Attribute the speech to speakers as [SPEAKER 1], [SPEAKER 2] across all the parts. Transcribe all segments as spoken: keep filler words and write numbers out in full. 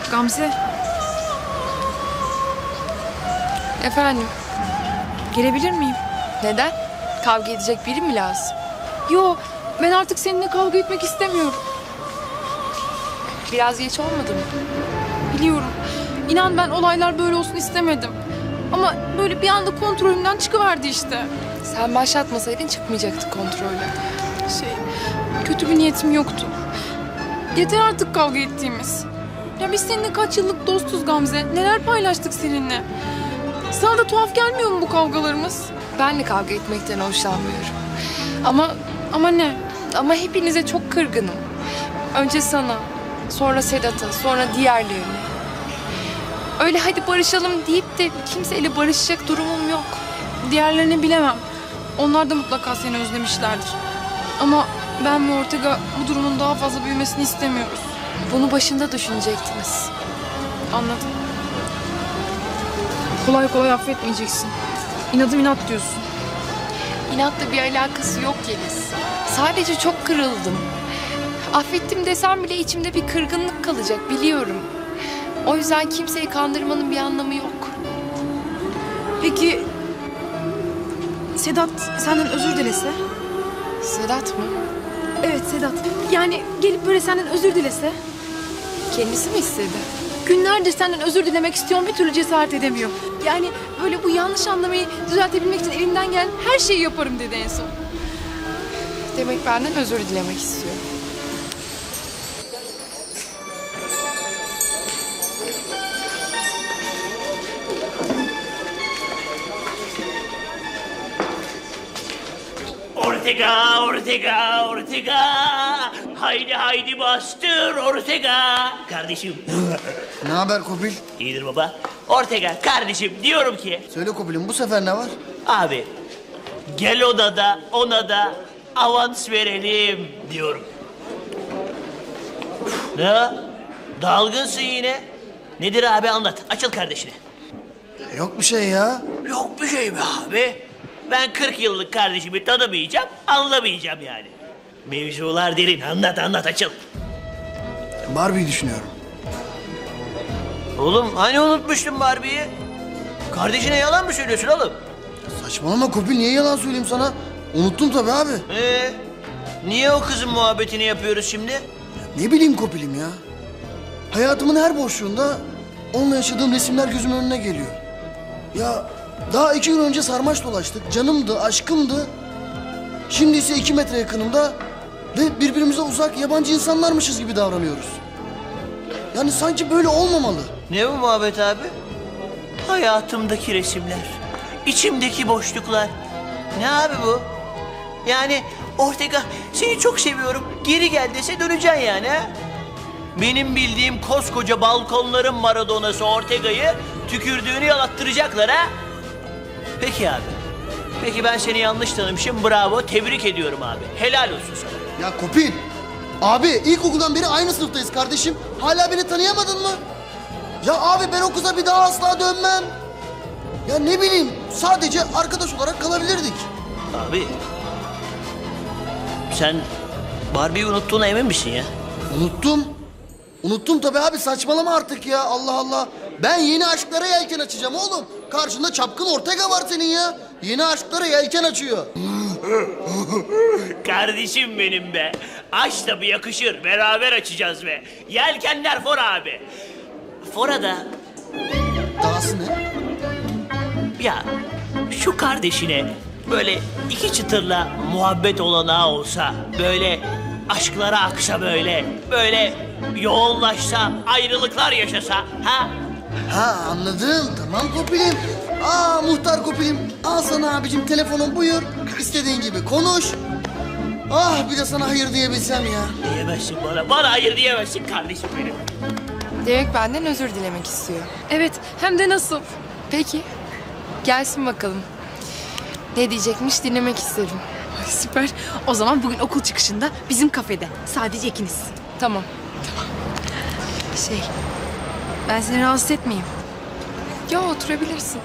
[SPEAKER 1] Gamze,
[SPEAKER 2] Efendim,
[SPEAKER 1] gelebilir miyim?
[SPEAKER 2] neden? Kavga edecek biri mi lazım?
[SPEAKER 1] Yo, ben artık seninle kavga etmek istemiyorum.
[SPEAKER 2] Biraz geç olmadı mı?
[SPEAKER 1] Biliyorum. İnan ben olaylar böyle olsun istemedim. Ama böyle bir anda kontrolümden çıkıverdi işte.
[SPEAKER 2] Sen başlatmasaydın çıkmayacaktı kontrolü.
[SPEAKER 1] Şey, kötü bir niyetim yoktu. Yeter artık kavga ettiğimiz. Ya biz seninle kaç yıllık dostuz Gamze. Neler paylaştık seninle. Sana da tuhaf gelmiyor mu bu kavgalarımız?
[SPEAKER 2] Ben de kavga etmekten hoşlanmıyorum. Ama
[SPEAKER 1] Ama ne?
[SPEAKER 2] ama hepinize çok kırgınım. Önce sana, sonra Sedat'a, sonra diğerlerine. Öyle hadi barışalım deyip de kimseyle barışacak durumum yok.
[SPEAKER 1] Diğerlerini bilemem. Onlar da mutlaka seni özlemişlerdir. Ama ben ve Ortega bu durumun daha fazla büyümesini istemiyoruz.
[SPEAKER 2] Bunu başında düşünecektiniz.
[SPEAKER 1] Anladım. Kolay kolay affetmeyeceksin. İnadım inat diyorsun.
[SPEAKER 2] İnatla bir alakası yok Yeliz. Sadece çok kırıldım. Affettim desem bile içimde bir kırgınlık kalacak biliyorum. O yüzden kimseyi kandırmanın bir anlamı yok.
[SPEAKER 1] Peki Sedat senden özür dilese?
[SPEAKER 2] Sedat mı?
[SPEAKER 1] Evet Sedat. Yani gelip böyle senden özür dilese?
[SPEAKER 2] Kendisi mi istedi?
[SPEAKER 1] Günlerdir senden özür dilemek istiyorum, bir türlü cesaret edemiyor. Yani böyle bu yanlış anlamayı düzeltebilmek için elimden gelen her şeyi yaparım dedi en son.
[SPEAKER 2] Demek benden özür dilemek istiyor.
[SPEAKER 3] Ortega, Ortega, Ortega. Haydi haydi bastır Ortega. Kardeşim.
[SPEAKER 4] Ne haber Kopil?
[SPEAKER 3] İyidir baba. Ortega kardeşim diyorum ki.
[SPEAKER 4] Söyle Kopil'im bu sefer ne var?
[SPEAKER 3] Abi gel ona da ona da avans verelim diyorum. Ne? Dalgınsın yine. Nedir abi anlat. Açıl kardeşine.
[SPEAKER 4] Yok bir şey ya.
[SPEAKER 3] Yok bir şey be abi. Ben kırk yıllık kardeşimi tanımayacağım, anlamayacağım yani. Mevzular derin. Anlat anlat açıl.
[SPEAKER 4] Barbie'yi düşünüyorum.
[SPEAKER 3] Oğlum hani unutmuştun Barbie'yi? Kardeşine yalan mı söylüyorsun oğlum?
[SPEAKER 4] Saçmalama Kopil, niye yalan söyleyeyim sana? Unuttum tabii abi.
[SPEAKER 3] Ee, niye o kızın muhabbetini yapıyoruz şimdi?
[SPEAKER 4] Ne bileyim Kopil'im ya. Hayatımın her boşluğunda onunla yaşadığım resimler gözümün önüne geliyor. Ya daha iki gün önce sarmaş dolaştık. Canımdı, aşkımdı. Şimdi ise iki metre yakınımda ve birbirimize uzak yabancı insanlarmışız gibi davranıyoruz. Yani sanki böyle olmamalı.
[SPEAKER 3] Ne bu muhabbet abi? Hayatımdaki resimler, içimdeki boşluklar. Ne abi bu? Yani Ortega seni çok seviyorum, geri gel dese döneceksin yani ha? Benim bildiğim koskoca balkonların Maradona'sı Ortega'yı tükürdüğünü yalattıracaklar ha? Peki abi. Peki ben seni yanlış tanımışım. Bravo. Tebrik ediyorum abi. Helal olsun sana.
[SPEAKER 4] Ya Kopil, abi ilkokuldan beri aynı sınıftayız kardeşim. Hala beni tanıyamadın mı? Ya abi ben o kıza bir daha asla dönmem. Ya ne bileyim, sadece arkadaş olarak kalabilirdik.
[SPEAKER 3] Abi. Sen Barbie'yi unuttuğuna emin misin ya?
[SPEAKER 4] Unuttum. Unuttum tabii abi, saçmalama artık ya, Allah Allah. Ben yeni aşklara yelken açacağım oğlum. Karşında çapkın Ortega var senin ya. Yeni aşklara yelken açıyor.
[SPEAKER 3] Kardeşim benim be. Aç tabii yakışır. Beraber açacağız be. Yelkenler fora abi. Fora'da
[SPEAKER 4] Dahası ne?
[SPEAKER 3] ya şu kardeşine böyle iki çıtırla muhabbet olanağı olsa, böyle aşklara aksa böyle, böyle yoğunlaşsa, ayrılıklar yaşasa ha?
[SPEAKER 4] Ha anladım, tamam Kopilim. Aa muhtar Kopilim. Al sana abicim telefonun, buyur. İstediğin gibi konuş. Ah bir de sana hayır diyebilsem ya.
[SPEAKER 3] Diyemezsin bana, bana hayır diyemezsin kardeşim benim.
[SPEAKER 2] Demek benden özür dilemek istiyor.
[SPEAKER 1] Evet, hem de nasıl?
[SPEAKER 2] Peki, gelsin bakalım. Ne diyecekmiş dinlemek isterim.
[SPEAKER 1] Ay, süper. O zaman bugün okul çıkışında bizim kafede. Sadece ikiniz.
[SPEAKER 2] Tamam.
[SPEAKER 1] Şey, ben seni rahatsız etmeyeyim.
[SPEAKER 2] Ya oturabilirsin.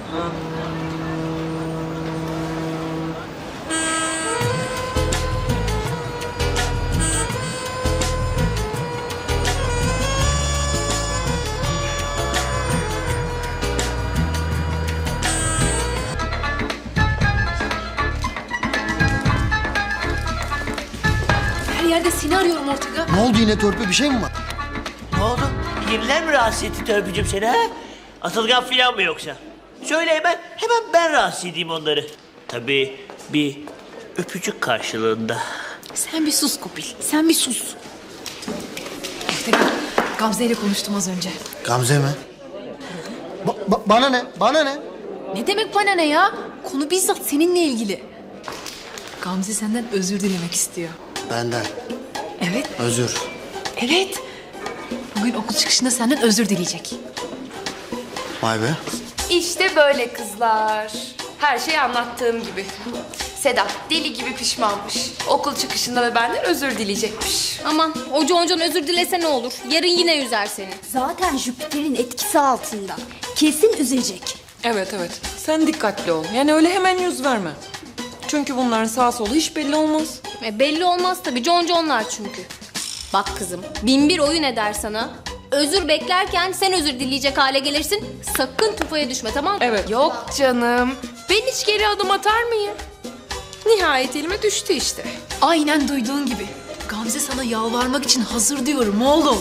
[SPEAKER 4] oldu yine Törpü, bir şey mi var?
[SPEAKER 3] Ne oldu? Yeniler mi rahatsız etti Törpücüğüm seni ha? Atılgan filan mı yoksa? Söyle hemen, hemen ben rahatsız edeyim onları. Tabii bir öpücük karşılığında.
[SPEAKER 1] Sen bir sus Kopil. Sen bir sus. Ortega, Gamze ile konuştum az önce.
[SPEAKER 4] Gamze mi? Ba- ba- bana ne? Bana ne?
[SPEAKER 1] Ne demek bana ne ya? Konu bizzat seninle ilgili. Gamze senden özür dilemek istiyor.
[SPEAKER 4] Benden.
[SPEAKER 1] Evet,
[SPEAKER 4] Özür.
[SPEAKER 1] evet. Bugün okul çıkışında senden özür dileyecek.
[SPEAKER 4] Vay be.
[SPEAKER 2] İşte böyle kızlar. Her şey anlattığım gibi. Sedat deli gibi pişmanmış. Okul çıkışında da benden özür dileyecekmiş.
[SPEAKER 5] Aman o Concan özür dilese ne olur? Yarın yine üzer seni.
[SPEAKER 6] Zaten Jüpiter'in etkisi altında. Kesin üzecek.
[SPEAKER 7] Evet evet. Sen dikkatli ol. Yani öyle hemen yüz verme. Çünkü bunların sağ solu hiç belli olmaz.
[SPEAKER 5] E, belli olmaz tabii Concanlar çünkü. Bak kızım bin bir oyun eder sana. Özür beklerken sen özür dileyecek hale gelirsin. Sakın tufaya düşme tamam mı?
[SPEAKER 7] Evet.
[SPEAKER 2] Yok canım. Ben hiç geri adım atar mıyım? Nihayet elime düştü işte.
[SPEAKER 1] Aynen duyduğun gibi. Gamze sana yalvarmak için hazır diyorum oğlum.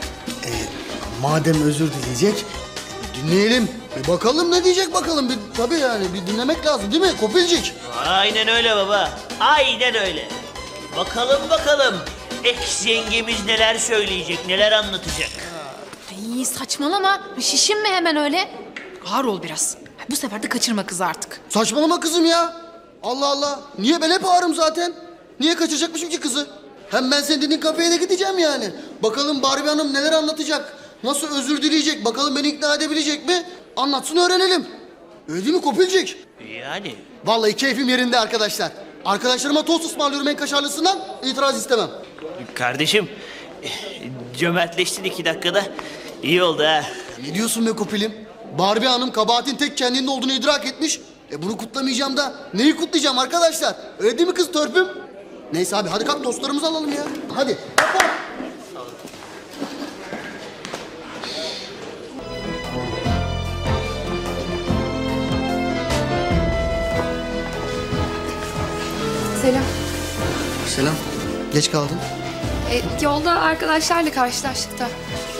[SPEAKER 4] Madem özür dileyecek, dinleyelim. Bir bakalım ne diyecek bakalım. Bir, tabii yani bir dinlemek lazım değil mi Kopilcik?
[SPEAKER 3] Aynen öyle baba. Aynen öyle. Bakalım bakalım. Ex yengemiz neler söyleyecek, neler anlatacak.
[SPEAKER 1] Ay saçmalama. Şişinme hemen öyle. Ağır ol biraz. Bu sefer de kaçırma kızı artık.
[SPEAKER 4] Saçmalama kızım ya. Allah Allah. Niye ben hep ağrım zaten? Niye kaçıracakmışım ki kızı? Hem ben senin dediğin kafeye de gideceğim yani. Bakalım Barbie Hanım neler anlatacak? Nasıl özür dileyecek? Bakalım beni ikna edebilecek mi? Anlatsın öğrenelim. Öyle değil mi Kopilcik?
[SPEAKER 3] Yani
[SPEAKER 4] Vallahi keyfim yerinde arkadaşlar. Arkadaşlarıma tost ısmarlıyorum en kaşarlısından. İtiraz istemem.
[SPEAKER 3] kardeşim cömertleştin iki dakikada. İyi oldu ha.
[SPEAKER 4] Ne diyorsun be Kopilim? Barbie Hanım kabahatin tek kendinde olduğunu idrak etmiş. E bunu kutlamayacağım da neyi kutlayacağım arkadaşlar? Öyle değil mi kız Törpüm? Neyse abi hadi kalk tostlarımızı alalım ya. Hadi. Kalk.
[SPEAKER 2] Selam.
[SPEAKER 4] Selam. Geç kaldın.
[SPEAKER 2] E, yolda arkadaşlarla karşılaştık da.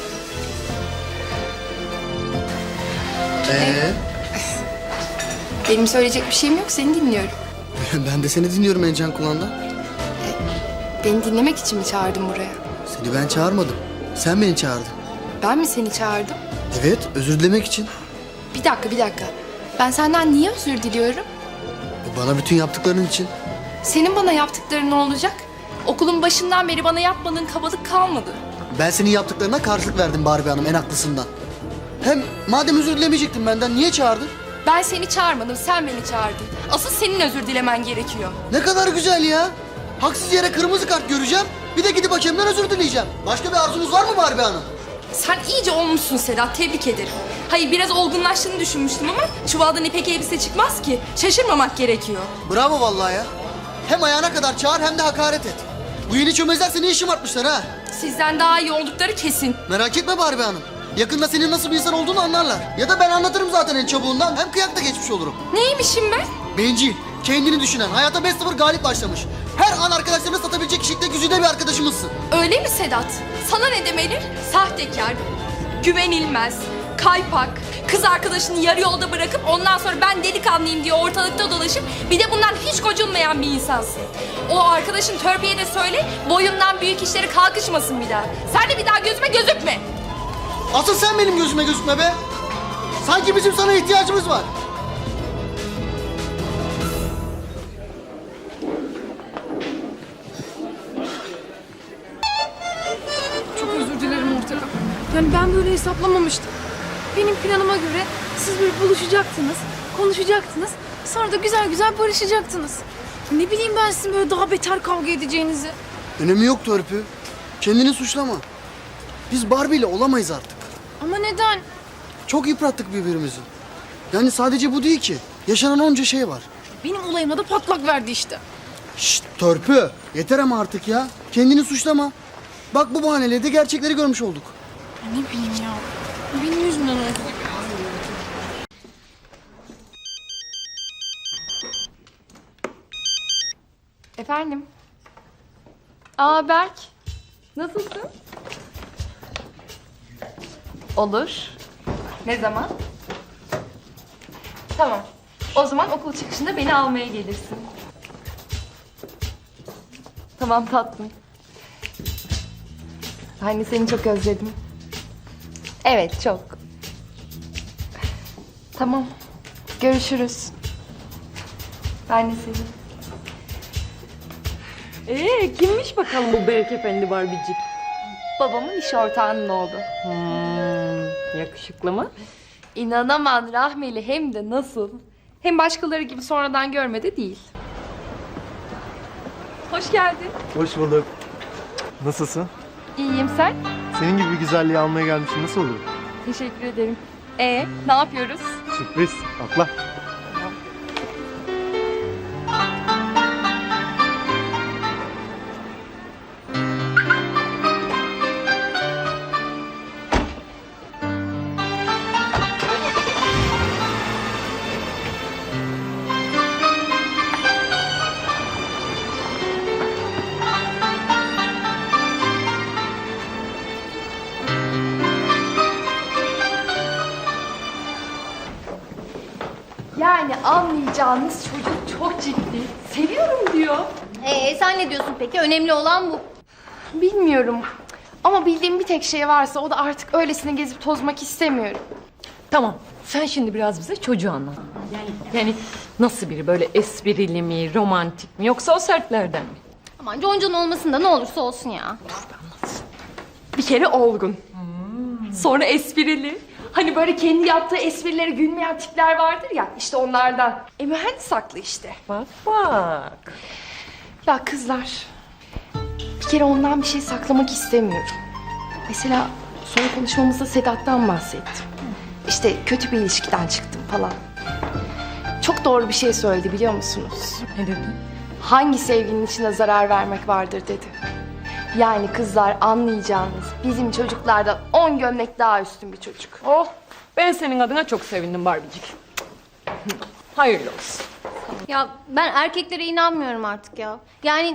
[SPEAKER 4] Ee?
[SPEAKER 2] Benim söyleyecek bir şeyim yok, seni dinliyorum.
[SPEAKER 4] Ben de seni dinliyorum en can kulağından.
[SPEAKER 2] Beni dinlemek için mi çağırdın buraya?
[SPEAKER 4] Seni ben çağırmadım. Sen beni çağırdın.
[SPEAKER 2] Ben mi seni çağırdım?
[SPEAKER 4] Evet, özür dilemek için.
[SPEAKER 2] Bir dakika, bir dakika. Ben senden niye özür diliyorum?
[SPEAKER 4] E, Bana bütün yaptıkların için.
[SPEAKER 2] Senin bana yaptıkların ne olacak? Okulun başından beri bana yapmadığın kabalık kalmadı.
[SPEAKER 4] Ben senin yaptıklarına karşılık verdim Barbie Hanım en haklısından. Hem madem özür dilemeyecektin benden niye çağırdın?
[SPEAKER 2] Ben seni çağırmadım, sen beni çağırdın. Asıl senin özür dilemen gerekiyor.
[SPEAKER 4] Ne kadar güzel ya. Haksız yere kırmızı kart göreceğim. Bir de gidip hakemden özür dileyeceğim. Başka bir arzunuz var mı Barbie Hanım?
[SPEAKER 2] Sen iyice olmuşsun Sedat, tebrik ederim. Hayır, biraz olgunlaştığını düşünmüştüm ama çuvaldan ipek elbise çıkmaz ki. Şaşırmamak gerekiyor.
[SPEAKER 4] Bravo vallahi ya. Hem ayağına kadar çağır hem de hakaret et. Bu yeni çömezler seni işim artmışlar ha.
[SPEAKER 2] Sizden daha iyi oldukları kesin.
[SPEAKER 4] Merak etme Barbie Hanım. Yakında senin nasıl bir insan olduğunu anlarlar. Ya da ben anlatırım zaten en çabuğundan. Hem kıyakta geçmiş olurum.
[SPEAKER 2] Neymişim ben?
[SPEAKER 4] Bencil, kendini düşünen, hayata beş sıfır galip başlamış. Her an arkadaşlarını satabilecek kişilikte güzide bir arkadaşımızsın.
[SPEAKER 2] Öyle mi Sedat? Sana ne demeli? Sahtekar, güvenilmez, kaypak, kız arkadaşını yarı yolda bırakıp ondan sonra ben delikanlıyım diye ortalıkta dolaşıp bir de bundan hiç gocunmayan bir insansın. O arkadaşın Törpü'ye de söyle boyundan büyük işlere kalkışmasın bir daha. Sen de bir daha gözüme gözükme.
[SPEAKER 4] Asıl sen benim gözüme gözükme be. Sanki bizim sana ihtiyacımız var.
[SPEAKER 1] Çok özür dilerim Ortega. Yani ben böyle hesaplamamıştım. Benim planıma göre siz böyle buluşacaktınız, konuşacaktınız. Sonra da güzel güzel barışacaktınız. Ne bileyim ben sizin böyle daha beter kavga edeceğinizi.
[SPEAKER 4] Önemi yok Törpü. Kendini suçlama. Biz Barbie ile olamayız artık.
[SPEAKER 1] Ama neden?
[SPEAKER 4] Çok yıprattık birbirimizi. Yani sadece bu değil ki. Yaşanan onca şey var.
[SPEAKER 1] Benim olayıma da patlak verdi işte.
[SPEAKER 4] Şşt Törpü. Yeter ama artık ya. Kendini suçlama. Bak bu bahaneyle de gerçekleri görmüş olduk.
[SPEAKER 1] Ne bileyim ya. Benim yüzümden oldu.
[SPEAKER 2] Efendim? Aa Berk. Nasılsın? Olur. Ne zaman? Tamam. O zaman okul çıkışında beni almaya gelirsin. Tamam tatlım. Ben de seni çok özledim. Evet, çok. Tamam. Görüşürüz. Ben de seni.
[SPEAKER 7] Ee, kimmiş bakalım bu Berk Efendi Barbicik?
[SPEAKER 2] Babamın iş ortağının oğlu.
[SPEAKER 7] Hmm, yakışıklı mı?
[SPEAKER 2] İnanamam Rahmeli, hem de nasıl. Hem başkaları gibi sonradan görme de değil. Hoş geldin.
[SPEAKER 8] Hoş bulduk. Nasılsın?
[SPEAKER 2] İyiyim, sen?
[SPEAKER 8] Senin gibi bir güzelliği almaya gelmişim. Nasıl olur?
[SPEAKER 2] Teşekkür ederim. Ee, ne yapıyoruz?
[SPEAKER 8] Sürpriz. Atla.
[SPEAKER 2] Yani anlayacağınız çocuk çok ciddi. Seviyorum diyor.
[SPEAKER 5] Ee, sen ne diyorsun peki? Önemli olan bu.
[SPEAKER 2] Bilmiyorum. Ama bildiğim bir tek şey varsa o da artık öylesine gezip tozmak istemiyorum.
[SPEAKER 7] Tamam. Sen şimdi biraz bize çocuğu anlat. Yani, yani nasıl biri, böyle esprili mi, romantik mi, yoksa o sertlerden mi?
[SPEAKER 5] Aman Concon olmasın da ne olursa olsun ya.
[SPEAKER 2] Bir kere olgun. Sonra esprili. Hani böyle kendi yaptığı esprilere gülmeyen tipler vardır ya, işte onlardan. E mühendis haklı işte.
[SPEAKER 7] Bak bak.
[SPEAKER 2] Ya kızlar, bir kere ondan bir şey saklamak istemiyorum. Mesela son konuşmamızda Sedat'tan bahsettim. İşte kötü bir ilişkiden çıktım falan. Çok doğru bir şey söyledi, biliyor musunuz?
[SPEAKER 7] Ne dedi?
[SPEAKER 2] Hangi sevginin içine zarar vermek vardır dedi. Yani kızlar, anlayacağınız bizim çocuklardan on gömlek daha üstün bir çocuk.
[SPEAKER 7] Oh, ben senin adına çok sevindim Barbicik. Hayırlı olsun.
[SPEAKER 5] Ya ben erkeklere inanmıyorum artık ya. Yani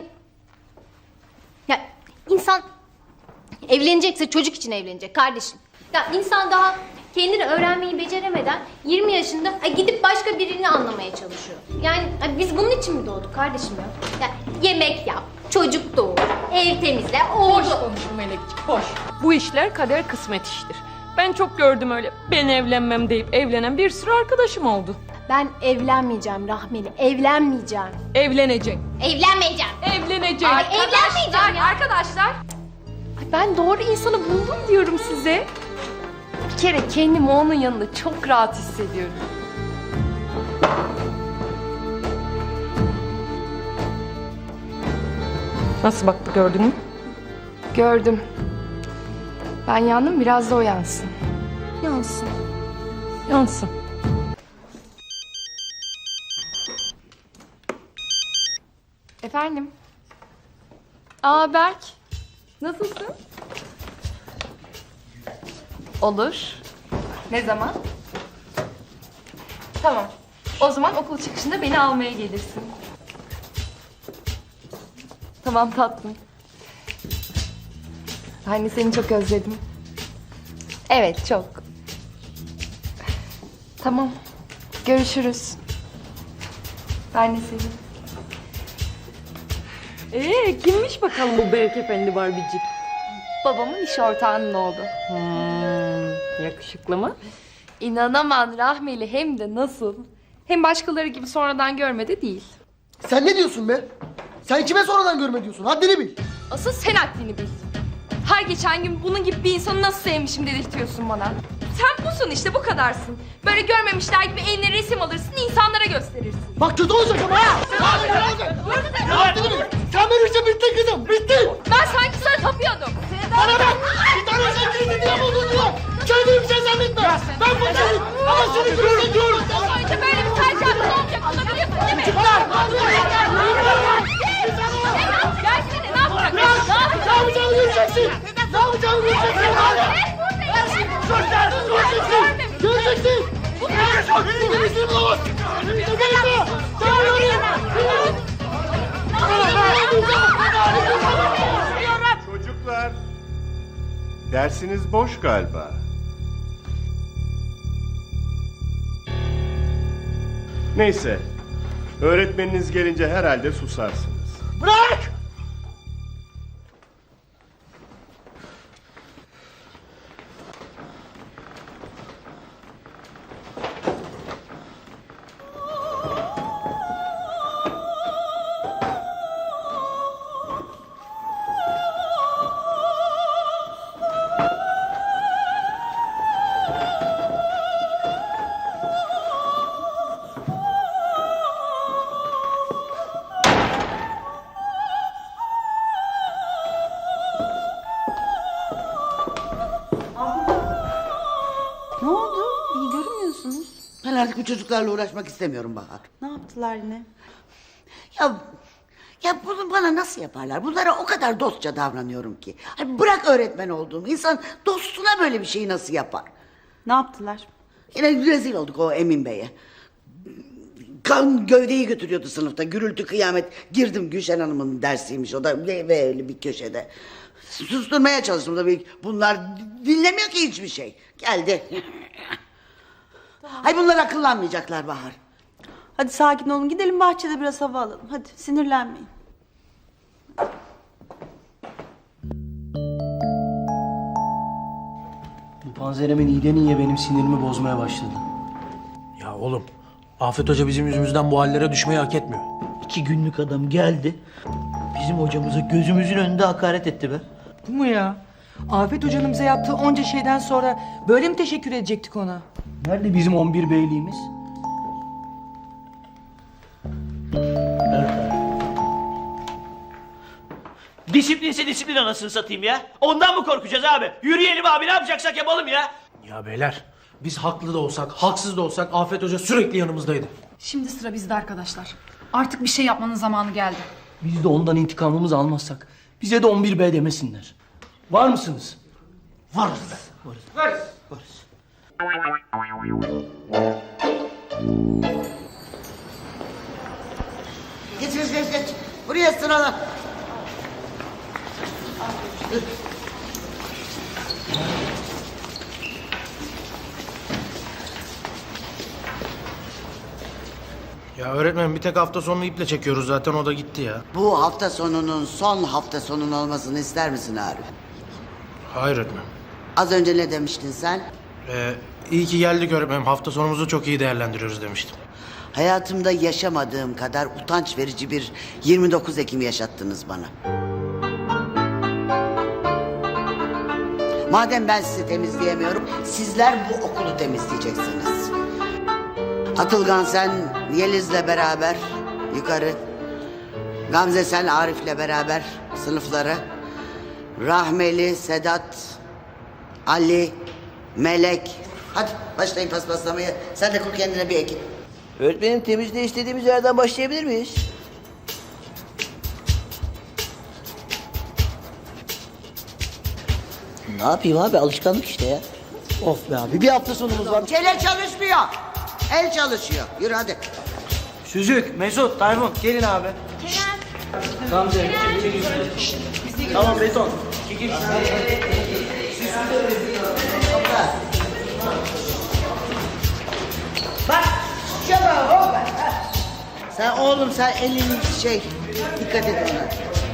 [SPEAKER 5] ya insan evlenecekse çocuk için evlenecek kardeşim. Ya insan daha kendini öğrenmeyi beceremeden yirmi yaşında ay, gidip başka birini anlamaya çalışıyor. Yani ay, biz bunun için mi doğduk kardeşim ya? Ya yemek yap, çocuk doğur, ev temizle,
[SPEAKER 7] Boş
[SPEAKER 5] oldu.
[SPEAKER 7] konuşun Melekciğim, boş. Bu işler kader kısmet iştir. Ben çok gördüm öyle ben evlenmem deyip evlenen bir sürü arkadaşım oldu.
[SPEAKER 2] Ben evlenmeyeceğim Rahmeli, evlenmeyeceğim.
[SPEAKER 7] Evlenecek.
[SPEAKER 5] Evlenmeyeceğim.
[SPEAKER 7] Evlenecek.
[SPEAKER 5] Ay, evlenmeyeceğim ya.
[SPEAKER 2] Arkadaşlar. Ay, ben doğru insanı buldum diyorum size. Bir kere kendimi onun yanında çok rahat hissediyorum.
[SPEAKER 7] Nasıl baktı, gördün mü?
[SPEAKER 2] Gördüm. Ben yandım, biraz da o yansın.
[SPEAKER 7] Yansın. Yansın.
[SPEAKER 2] Efendim? Aa Berk. Nasılsın? Olur. Ne zaman? Tamam. O zaman okul çıkışında beni almaya gelirsin. Tamam tatlım. Ben de seni çok özledim. Evet, çok. Tamam. Görüşürüz. Ben de seni.
[SPEAKER 7] Ee, kimmiş bakalım bu Berk Efendi Barbicik?
[SPEAKER 2] Babamın iş ortağının oğlu.
[SPEAKER 7] Hmm, yakışıklı mı?
[SPEAKER 2] İnanamam Rahmeli, hem de nasıl. Hem başkaları gibi sonradan görme de değil.
[SPEAKER 4] Sen ne diyorsun be? Sen kime sonradan görme diyorsun? Haddini bil.
[SPEAKER 2] Asıl sen haddini bil. Her geçen gün bunun gibi bir insanı nasıl sevmişim dedirtiyorsun bana. Sen busun işte, bu kadarsın. Böyle görmemişler gibi eline resim alırsın, insanlara gösterirsin.
[SPEAKER 4] Bak kötü olacak ama ha. Haddini bil. Sen benim için bittin kızım. Bittin.
[SPEAKER 2] Ben sanki sana tapıyordum.
[SPEAKER 4] Bana bak. Bir tane sen kendini diye buldun diyor. Kendini bir şey zannetme. Ben buradayım. Ama seni görüyorum diyorum.
[SPEAKER 2] Sonuçta böyle bir tercihimiz olacak, bunu biliyorsun değil mi?
[SPEAKER 4] Çıklar.
[SPEAKER 2] Gelsene, ne yapacak? Ne
[SPEAKER 4] Ne yapacağını göreceksin. Ne yapacağını göreceksin. Göreceksin. Göreceksin. Göreceksin. Bugün bizim bulamaz. Göreceksin. Sen göreyim.
[SPEAKER 9] Çocuklar, Dersiniz boş galiba. Neyse. Öğretmeniniz gelince herhalde susarsınız.
[SPEAKER 3] Bırak!
[SPEAKER 10] Ne oldu? İyi görünmüyorsunuz.
[SPEAKER 11] Ben artık bu çocuklarla uğraşmak istemiyorum Bahar.
[SPEAKER 10] Ne yaptılar yine?
[SPEAKER 11] Ya ya bunu bana nasıl yaparlar? Bunlara o kadar dostça davranıyorum ki. Hani bırak öğretmen olduğumu. İnsan dostuna böyle bir şeyi nasıl yapar?
[SPEAKER 10] Ne yaptılar?
[SPEAKER 11] Yine rezil olduk o Emin Bey'e. Kan gövdeyi götürüyordu sınıfta. Gürültü kıyamet. Girdim Gülşen Hanım'ın dersiymiş. O da ve, ve öyle bir köşede. Susturmaya çalıştım tabii. Bunlar dinlemiyor ki hiçbir şey. Geldi. Hay bunlar akıllanmayacaklar Bahar.
[SPEAKER 10] Hadi sakin olun, gidelim bahçede biraz hava alalım. Hadi sinirlenmeyin.
[SPEAKER 12] Bu panzeremin iyiden iyiye benim sinirimi bozmaya başladı.
[SPEAKER 13] Ya oğlum, Afet Hoca bizim yüzümüzden bu hallere düşmeyi hak etmiyor.
[SPEAKER 3] İki günlük adam geldi. Bizim hocamıza gözümüzün önünde hakaret etti be.
[SPEAKER 14] Bu mu ya? Afet Hoca'nın bize yaptığı onca şeyden sonra böyle mi teşekkür edecektik ona?
[SPEAKER 12] Nerede bizim on bir beyliğimiz?
[SPEAKER 3] Disiplinse disiplin anasını satayım ya. Ondan mı korkacağız abi? Yürüyelim abi, ne yapacaksak yapalım ya.
[SPEAKER 13] Ya beyler, biz haklı da olsak, haksız da olsak Afet Hoca sürekli yanımızdaydı.
[SPEAKER 1] Şimdi sıra bizde arkadaşlar. Artık bir şey yapmanın zamanı geldi.
[SPEAKER 12] Biz de ondan intikamımızı almazsak bize de on bir B demesinler. Var mısınız?
[SPEAKER 3] Varız be. Varız. Varız. Varız.
[SPEAKER 11] Geç geç geç geç. Buraya sırala.
[SPEAKER 13] Ya öğretmenim, bir tek hafta sonunu iple çekiyoruz zaten, o da gitti ya.
[SPEAKER 11] Bu hafta sonunun son hafta sonun olmasını ister misin Arif?
[SPEAKER 13] Hayır öğretmenim.
[SPEAKER 11] Az önce ne demiştin sen?
[SPEAKER 13] Ee, iyi ki geldik öğretmenim, hafta sonumuzu çok iyi değerlendiriyoruz demiştim.
[SPEAKER 11] Hayatımda yaşamadığım kadar utanç verici bir yirmi dokuz Ekim yaşattınız bana. Madem ben sizi temizleyemiyorum, sizler bu okulu temizleyeceksiniz. Atılgan sen Yeliz'le beraber yukarı. Gamze sen Arif'le beraber sınıflara. Rahmeli, Sedat, Ali, Melek. Hadi başlayın paspaslamaya. Sen de kur kendine bir ekip.
[SPEAKER 3] Öğretmenim, temizliğe istediğimiz yerden başlayabilir miyiz? Ne yapayım abi, alışkanlık işte ya.
[SPEAKER 12] Of be abi, bir hafta sonumuz var.
[SPEAKER 11] Çele çalışmıyor. El çalışıyor. Yürü hadi.
[SPEAKER 12] Süzük, Mesut, Tayfun gelin abi.
[SPEAKER 5] Kerem.
[SPEAKER 12] Gamze. Tamam beton.
[SPEAKER 11] Bak. Şaba hoppa. Sen oğlum sen elini şey dikkat et ona.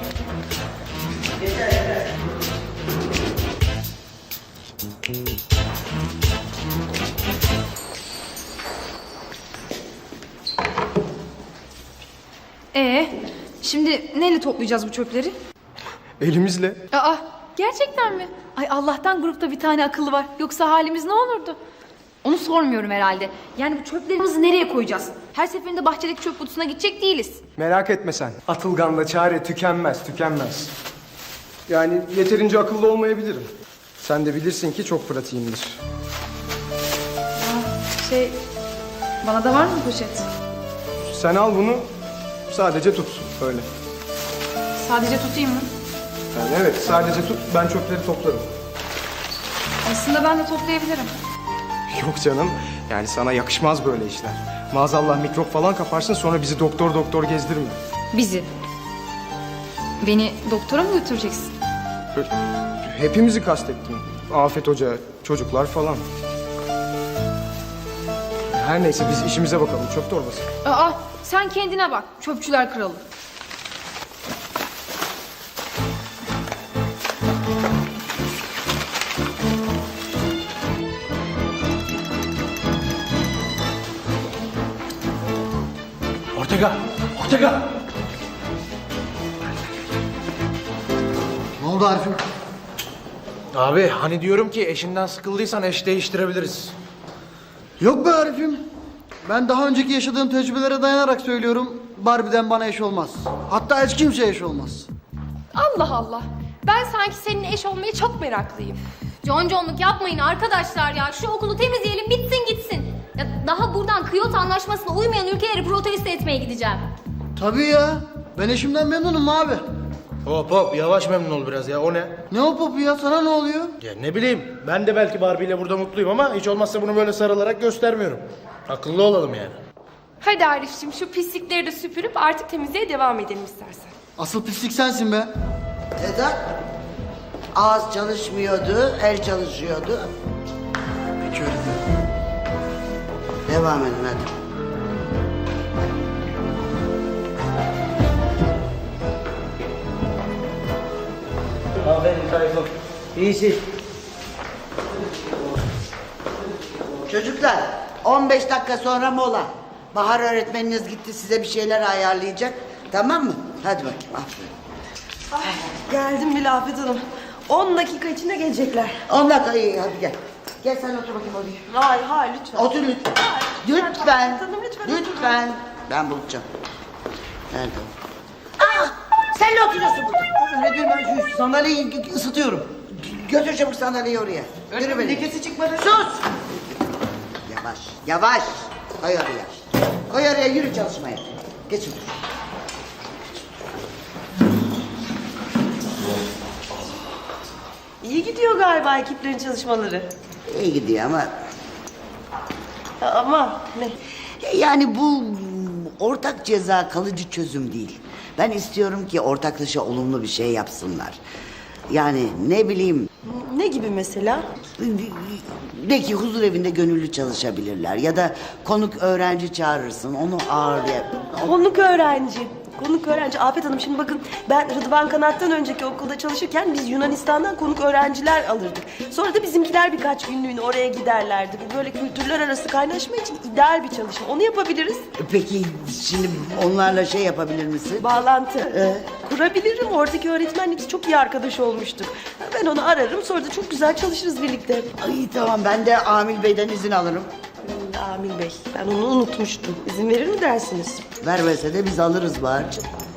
[SPEAKER 1] Ee, şimdi neyle toplayacağız bu çöpleri?
[SPEAKER 8] Elimizle.
[SPEAKER 1] Aa, gerçekten mi? Ay Allah'tan grupta bir tane akıllı var. Yoksa halimiz ne olurdu? Onu sormuyorum herhalde. Yani bu çöplerimizi nereye koyacağız? Her seferinde bahçedeki çöp kutusuna gidecek değiliz.
[SPEAKER 8] Merak etme sen. Atılgan'la çare tükenmez, tükenmez. Yani yeterince akıllı olmayabilirim. Sen de bilirsin ki çok pratiğimdir.
[SPEAKER 1] Şey, bana da var mı poşet?
[SPEAKER 8] Sen al bunu, sadece tut öyle.
[SPEAKER 1] Sadece tutayım mı?
[SPEAKER 8] Yani evet, sadece tut, ben çöpleri toplarım.
[SPEAKER 1] Aslında ben de toplayabilirim.
[SPEAKER 8] Yok canım, yani sana yakışmaz böyle işler. Maazallah mikrop falan kaparsın, sonra bizi doktor doktor gezdirme.
[SPEAKER 1] Bizi? Beni doktora mı götüreceksin?
[SPEAKER 8] Böyle hepimizi kastettim. Afet Hoca, çocuklar falan. Her neyse biz işimize bakalım. Çöp torbası.
[SPEAKER 1] Aa, sen kendine bak. Çöpçüler kralı.
[SPEAKER 12] Ortega! Ortega!
[SPEAKER 4] Ne oldu Arif'im?
[SPEAKER 13] Abi hani diyorum ki eşinden sıkıldıysan eş değiştirebiliriz.
[SPEAKER 4] Yok be Arif'im. Ben daha önceki yaşadığım tecrübelere dayanarak söylüyorum. Barbie'den bana eş olmaz. Hatta hiç kimseye eş olmaz.
[SPEAKER 2] Allah Allah. Ben sanki senin eş olmaya çok meraklıyım.
[SPEAKER 5] Conconluk yapmayın arkadaşlar ya. Şu okulu temizleyelim bitsin gitsin. Ya daha buradan Kyoto Anlaşması'na uymayan ülkeleri protesto etmeye gideceğim.
[SPEAKER 4] Tabii ya. Ben eşimden memnunum abi.
[SPEAKER 13] Hop hop yavaş memnun ol biraz ya, o ne?
[SPEAKER 4] Ne o popu ya? Sana ne oluyor?
[SPEAKER 13] Ya ne bileyim, ben de belki Barbie ile burada mutluyum ama hiç olmazsa bunu böyle sarılarak göstermiyorum. Akıllı olalım yani.
[SPEAKER 2] Hadi Arif'ciğim şu pislikleri de süpürüp artık temizliğe devam edelim istersen.
[SPEAKER 4] Asıl pislik sensin be.
[SPEAKER 11] Sedat, ağız çalışmıyordu, el çalışıyordu.
[SPEAKER 4] Peki öğretmenim.
[SPEAKER 11] Devam edin hadi.
[SPEAKER 12] Aferin Tayfun. İyisin.
[SPEAKER 11] Çocuklar, on beş dakika sonra mola. Bahar öğretmeniniz gitti, size bir şeyler ayarlayacak. Tamam mı? Hadi bakayım, aferin.
[SPEAKER 10] Geldim bile Afet Hanım. On dakika içinde gelecekler.
[SPEAKER 11] On dakika iyi, hadi gel. Gel sen otur bakayım oraya.
[SPEAKER 10] Hayır hayır lütfen.
[SPEAKER 11] Otur lütfen. Lütfen. Lütfen. Lütfen. Ben bulacağım. Nerede o? Aa, sen ne oturuyorsun burada?
[SPEAKER 3] Öğretmenim ben şu sandalyeyi ısıtıyorum.
[SPEAKER 11] Götür çabuk sandalyeyi oraya. Yürü beni.
[SPEAKER 3] Lekesi çıkmadı.
[SPEAKER 11] Sus! Yavaş, yavaş. Koy oraya. Koy oraya, yürü çalışmaya. Geç otur.
[SPEAKER 10] İyi gidiyor galiba ekiplerin çalışmaları.
[SPEAKER 11] İyi gidiyor ama...
[SPEAKER 10] Ama ne?
[SPEAKER 11] Yani bu ortak ceza kalıcı çözüm değil. Ben istiyorum ki ortaklaşa olumlu bir şey yapsınlar. Yani ne bileyim...
[SPEAKER 10] Ne gibi mesela?
[SPEAKER 11] De ki huzur evinde gönüllü çalışabilirler. Ya da konuk öğrenci çağırırsın, onu ağırlayıp...
[SPEAKER 10] Konuk öğrenci. Konuk öğrenci. Afet Hanım şimdi bakın ben Rıdvan Kanat'tan önceki okulda çalışırken biz Yunanistan'dan konuk öğrenciler alırdık. Sonra da bizimkiler birkaç günlüğüne oraya giderlerdi. Bu böyle kültürler arası kaynaşma için ideal bir çalışma. Onu yapabiliriz.
[SPEAKER 11] Peki şimdi onlarla şey yapabilir misin?
[SPEAKER 10] Bağlantı. Ee? Kurabilirim. Oradaki öğretmenle biz çok iyi arkadaş olmuştuk. Ben onu ararım sonra da çok güzel çalışırız birlikte.
[SPEAKER 11] Ay tamam, ben de Amil Bey'den izin alırım.
[SPEAKER 10] Amil Bey, ben onu unutmuştum. İzin verir mi dersiniz?
[SPEAKER 11] Vermese de biz alırız Bahar'cığım.